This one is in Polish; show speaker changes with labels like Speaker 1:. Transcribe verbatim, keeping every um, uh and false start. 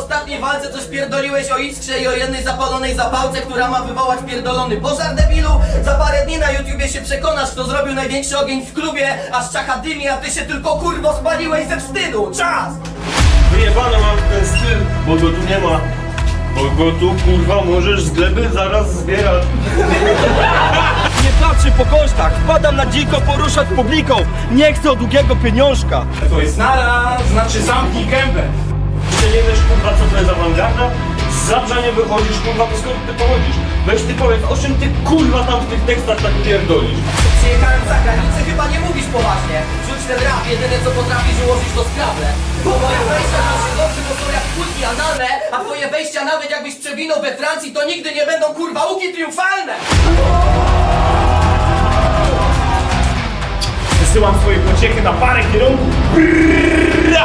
Speaker 1: ostatniej walce coś pierdoliłeś o iskrze i o jednej zapalonej zapałce, która ma wywołać pierdolony pożar, debilu. Za parę dni na YouTubie się przekonasz, kto zrobił największy ogień w klubie, aż czacha dymi, a ty się tylko kurwo spaliłeś ze wstydu. Czas!
Speaker 2: Wyjebane mam ten styl, bo go tu nie ma. Bo go tu kurwa możesz z gleby zaraz zbierać.
Speaker 3: Nie patrzy po kosztach, wpadam na dziko poruszać publiką. Nie chcę długiego pieniążka.
Speaker 4: To jest nara, znaczy zamknij gębę.
Speaker 2: Ty nie wiesz kurwa co to jest awangarda? Z Zabrza nie wychodzisz kurwa, to skąd ty pochodzisz? Weź ty powiedz, o czym ty kurwa tam w tych tekstach tak pierdolisz?
Speaker 1: Przyjechałem za granicę, chyba nie mówisz poważnie. Rzuć ten rap, jedyne co potrafisz ułożyć to skrable. Bo moje wejścia to się dobrze, bo są jak kulki analne, a twoje wejścia nawet jakbyś przewinął we Francji, to nigdy nie będą kurwa łuki triumfalne.
Speaker 4: Wysyłam swoje pociechy na parę kierunków.